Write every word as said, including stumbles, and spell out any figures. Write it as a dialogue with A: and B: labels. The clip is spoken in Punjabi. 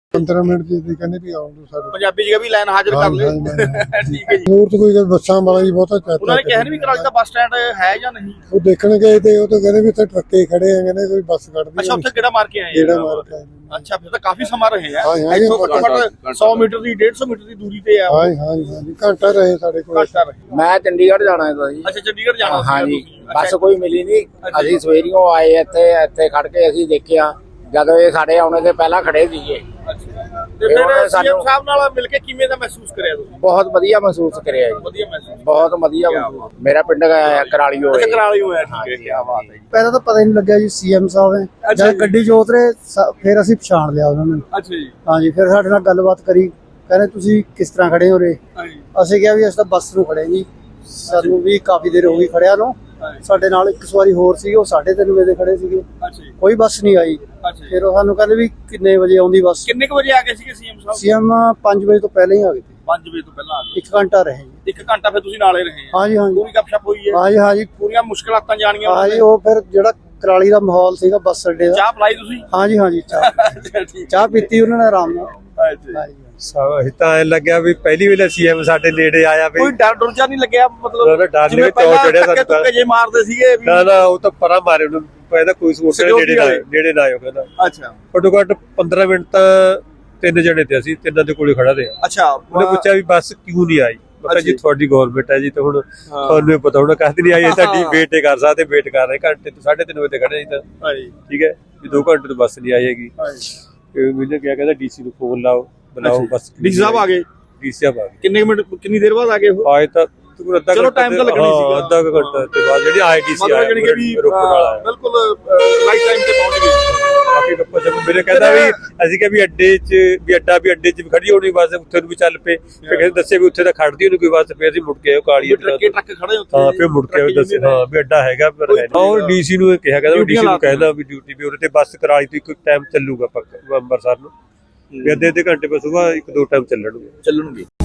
A: पंद्रह मिनट ਦੀ ਕਹਿੰਦੇ ਵੀ ਆਉਣ ਦੋ ਸਾਡੇ
B: ਪੰਜਾਬੀ ਜਗ੍ਹਾ ਵੀ ਲਾਈਨ ਹਾਜ਼ਰ ਕਰ ਲੈ ਠੀਕ ਹੈ ਜੀ।
A: ਹੋਰ ਤਾਂ ਕੋਈ ਬੱਸਾਂ ਵਾਲਾ ਹੀ ਬਹੁਤਾ ਚਾਹਤਾ
B: ਉਹਨਾਂ ਨੇ ਕਿਹਾ ਨਹੀਂ ਵੀ ਕਰਾਲੀ ਦਾ ਬੱਸ ਸਟੈਂਡ ਹੈ ਜਾਂ ਨਹੀਂ।
A: ਉਹ ਦੇਖਣ ਗਏ ਤੇ ਉਹ ਤਾਂ ਕਹਿੰਦੇ ਵੀ ਇੱਥੇ ਟਰੱਕੇ ਖੜੇ ਆ, ਕਹਿੰਦੇ ਕੋਈ ਬੱਸ ਕੱਢਦੀ।
B: ਅੱਛਾ ਉੱਥੇ ਕਿਹੜਾ ਮਾਰ ਕੇ ਆਏ
A: ਜਿਹੜਾ ਮਾਰ ਕੇ ਆਏ।
B: ਅੱਛਾ ਫਿਰ ਤਾਂ ਕਾਫੀ ਸਮਾਂ ਰਹੇ ਆ।
A: ਹਾਂ, ਹਾਂ,
B: ਇੱਥੋਂ ਘੱਟੋ ਘੱਟ ਸੌ ਮੀਟਰ ਦੀ ਡੇਢ ਸੌ ਮੀਟਰ ਦੀ ਦੂਰੀ ਤੇ ਆ।
A: ਹਾਂ ਹਾਂ ਹਾਂ ਘੰਟਾ ਰਹੇ ਸਾਡੇ ਕੋਲ।
B: ਘੰਟਾ ਰਹੇ।
C: ਮੈਂ ਚੰਡੀਗੜ੍ਹ ਜਾਣਾ ਹੈ ਜੀ।
B: ਅੱਛਾ ਚੰਡੀਗੜ੍ਹ ਜਾਣਾ
C: ਹਾਂ ਜੀ, ਬੱਸ ਕੋਈ ਮਿਲੀ ਨਹੀਂ। ਅਸੀਂ ਸਵੇਰੀਓ ਆਏ ਇੱਥੇ ਇੱਥੇ ਖੜ ਕੇ ਅਸੀਂ ਦੇਖਿਆ ਜਦੋਂ ਇਹ ਸਾਡੇ ਆਉਣੇ ਦੇ ਪਹਿਲਾਂ ਖੜੇ ਸੀਗੇ।
B: ਤੇ ਫਿਰ ਸੀਐਮ ਸਾਹਿਬ ਨਾਲ ਮਿਲ ਕੇ ਕਿਵੇਂ ਦਾ ਮਹਿਸੂਸ ਕਰਿਆ ਤੁਸੀਂ?
C: ਬਹੁਤ ਵਧੀਆ ਮਹਿਸੂਸ ਕਰਿਆ ਜੀ,
B: ਵਧੀਆ ਮਹਿਸੂਸ
C: ਬਹੁਤ ਵਧੀਆ ਮਹਿਸੂਸ। ਮੇਰਾ ਪਿੰਡ ਕਰਾਲੀ ਹੋਇਆ।
B: ਅੱਛਾ ਕਰਾਲੀ ਹੋਇਆ, ਠੀਕ ਹੈ, ਕੀ ਬਾਤ ਹੈ ਜੀ।
D: ਪਹਿਲਾਂ ਤਾਂ ਪਤਾ ਹੀ ਨਹੀਂ ਲੱਗਿਆ ਜੀ ਸੀਐਮ ਸਾਹਿਬ ਨੇ। ਜਦ ਗੱਡੀ 'ਚ ਉਤਰੇ ਫਿਰ ਅਸੀਂ ਪਛਾਣ ਲਿਆ ਉਹਨਾਂ ਨੂੰ।
B: ਅੱਛਾ ਜੀ।
D: ਹਾਂਜੀ ਫਿਰ ਸਾਡੇ ਨਾਲ ਗੱਲਬਾਤ ਕਰੀ, ਕਹਿੰਦੇ ਤੁਸੀਂ ਕਿਸ ਤਰ੍ਹਾਂ ਖੜੇ ਹੋ ਰੇ। ਅਸੀਂ ਕਿਹਾ ਵੀ ਅਸੀਂ ਤਾਂ ਬੱਸ ਨੂੰ ਖੜੇ ਜੀ, ਸਾਨੂੰ ਵੀ ਕਾਫੀ ਦੇਰ ਹੋ ਗਈ ਖੜਿਆ ਨੂੰ। ਸਾਡੇ ਨਾਲ ਇੱਕ ਸਵਾਰੀ ਹੋਰ ਸੀ, ਉਹ ਸਾਢੇ ਤਿੰਨ ਵਜੇ ਖੜੇ ਸੀਗੇ, ਕੋਈ ਬੱਸ ਨਹੀਂ ਆਈ। ਫਿਰ ਉਹ ਸਾਨੂੰ ਕਹਿੰਦੇ ਵੀ ਕਿੰਨੇ ਵਜੇ ਆਉਂਦੀ ਬੱਸ।
B: ਕਿੰਨੇ ਕੁ ਵਜੇ ਆ ਗਏ ਸੀਗੇ ਸੀਐਮ ਸਾਹਿਬ?
D: ਸੀਐਮ ਪੰਜ ਵਜੇ ਤੋਂ ਪਹਿਲਾਂ ਹੀ ਆ ਗਏ।
B: ਪੰਜ ਵਜੇ ਤੋਂ ਪਹਿਲਾਂ ਆ ਗਏ,
D: ਇੱਕ ਘੰਟਾ ਰਹੇ ਜੀ।
B: ਇੱਕ ਘੰਟਾ ਫਿਰ ਤੁਸੀਂ ਨਾਲੇ ਰਹੇ?
D: ਹਾਂਜੀ ਹਾਂਜੀ
B: ਪੂਰੀ ਗੱਪਸ਼ਪ ਹੋਈ ਹੈ?
D: ਹਾਂਜੀ ਹਾਂਜੀ
B: ਪੂਰੀਆਂ ਮੁਸ਼ਕਲਾਂ ਜਾਣੀਆਂ?
D: ਹਾਂਜੀ ਉਹ ਫਿਰ ਜਿਹੜਾ ਕਰਾਲੀ ਦਾ ਮਾਹੌਲ ਸੀਗਾ ਬੱਸ ਅੱਡੇ ਦਾ।
B: ਚਾਹ ਪਲਾਈ ਤੁਸੀਂ?
D: ਹਾਂਜੀ ਹਾਂਜੀ ਚਾਹ ਚਾਹ ਪੀਤੀ ਉਹਨਾਂ ਨੇ ਆਰਾਮ ਨਾਲ। ਹਾਂਜੀ
E: ਅਸੀਂ ਤਾਂ ਐ ਲੱਗਿਆ ਵੀ ਪਹਿਲੀ ਵੇਲੇ ਸੀਐਮ ਸਾਡੇ ਨੇੜੇ ਆਇਆ ਵੀ
B: ਕੋਈ ਡਰ ਡਰ ਜਾਂ ਨਹੀਂ ਲੱਗਿਆ? ਮਤਲਬ
E: ਡਰ ਨਹੀਂ ਚੌ ਚੜਿਆ ਸਾਨੂੰ ਤਾਂ।
B: ਜੇ ਮਾਰਦੇ ਸੀਗੇ ਵੀ
E: ਨਾ ਨਾ ਉਹ ਤਾਂ ਪਰਾਂ ਮਾਰੇ ਉਹਨੂੰ ਕਹਿੰਦਾ ਕੋਈ ਸਪੋਰਟ ਨੇੜੇ ਨਾ ਨੇੜੇ ਨਾ ਆਇਓ ਕਹਿੰਦਾ।
B: ਅੱਛਾ
E: ਘੱਟੋ ਘੱਟ ਪੰਦਰਾਂ ਮਿੰਟ ਤਾਂ ਤਿੰਨ ਜਣੇ ਤੇ ਅਸੀਂ ਤਿੰਨਾਂ ਦੇ ਕੋਲੇ ਖੜਾ ਰਿਹਾ।
B: ਅੱਛਾ
E: ਉਹਨੇ ਪੁੱਛਿਆ ਵੀ ਬੱਸ ਕਿਉਂ ਨਹੀਂ ਆਈ? ਮੈਂ ਕਿਹਾ ਜੀ ਤੁਹਾਡੀ ਗਵਰਨਮੈਂਟ ਹੈ ਜੀ, ਤਾਂ ਹੁਣ ਤੁਹਾਨੂੰ ਪਤਾ ਹੋਣਾ ਕਦ ਨਹੀਂ ਆਈ। ਤੁਹਾਡੀ ਵੇਟ ਕਰ ਸਕਦੇ, ਵੇਟ ਕਰ ਰਹੇ ਘੰਟੇ ਤੋਂ ਸਾਢੇ ਤਿੰਨ ਵਜੇ ਤੇ ਖੜੇ ਤਾਂ ਠੀਕ ਹੈ ਵੀ ਦੋ ਘੰਟੇ ਤੋਂ ਬੱਸ ਨਹੀਂ ਆਏਗੀ। ਮੈਨੂੰ ਕਿਹਾ ਕਹਿੰਦਾ ਡੀਸੀ ਨੂੰ ਫੋਨ ਲਾਓ ਬੁਲਾਓ ਬੱਸ।
B: ਡੀਸੀ ਸਾਹਿਬ ਆ ਗਏ?
E: ਡੀਸੀ ਸਾਹਿਬ ਆ ਗਏ।
B: ਕਿੰਨੇ ਮਿੰਟ ਕਿੰਨੀ ਦੇਰ ਬਾਅਦ ਆ ਗਏ ਉਹ?
E: ਆਏ ਤਾਂ ਅੱਧਾ
B: ਚਲੋ ਟਾਈਮ ਤਾਂ ਲੱਗਣਾ ਹੀ ਸੀਗਾ।
E: ਅੱਧਾ ਘੰਟਾ ਤੇ ਬਾਅਦ ਜਿਹੜੀ ਆਈਟੀਸੀ ਆਇਆ
B: ਮਤਲਬ ਕਿ
E: ਰੋਪੜ ਵਾਲਾ
B: ਬਿਲਕੁਲ ਰਾਈਟ ਟਾਈਮ ਤੇ ਪਹੁੰਚ ਗਏ।
E: ਕਾਫੀ ਗੱਪਾਂ ਜਬ ਮੇਰੇ ਕਹਿੰਦਾ ਵੀ ਅਸੀਂ ਕਿਹਾ ਵੀ ਅੱਡੇ 'ਚ ਵੀ ਅੱਡਾ ਵੀ ਅੱਡੇ 'ਚ ਵੀ ਖੜੀ ਹੋਣੀ ਬੱਸ, ਉੱਥੇ ਨੂੰ ਵੀ ਚੱਲ ਪਏ। ਫਿਰ ਕਹਿੰਦੇ ਦੱਸੇ ਵੀ ਉੱਥੇ ਤਾਂ ਖੜਦੀ ਉਹਨੂੰ ਕੋਈ ਬੱਸ। ਫਿਰ ਅਸੀਂ ਮੁੜ ਕੇ ਆਏ ਕਾਲੀ
B: ਟਰੱਕੇ ਟਰੱਕ ਖੜੇ ਉੱਥੇ।
E: ਹਾਂ ਫਿਰ ਮੁੜ ਕੇ ਦੱਸੇ ਹਾਂ ਵੀ ਅੱਡਾ ਹੈਗਾ ਪਰ ਹੈ ਨਾ। ਉਹ ਡੀਸੀ ਨੂੰ ਕਿਹਾ ਕਹਿੰਦਾ ਡੀਸੀ ਨੂੰ ਕਹਿੰਦਾ ਵੀ ਡਿਊਟੀ ਵੀ ਉਹਦੇ ਤੇ ਬੱਸ ਕਰਾਲੀ ਤੋਂ ਇੱਕ ਟਾਈਮ ਚੱਲੂਗਾ ਪੱਕਾ ਅੰਮ੍ਰਿਤਸਰ ਨੂੰ ਵੀ ਅੱਧੇ ਅੱਧੇ ਘੰਟੇ ਬਾਅਦ ਸੁਬਾਹ ਇੱਕ ਦੋ ਟਾਈਮ ਚੱਲਣਗੇ
B: ਚੱਲਣਗੇ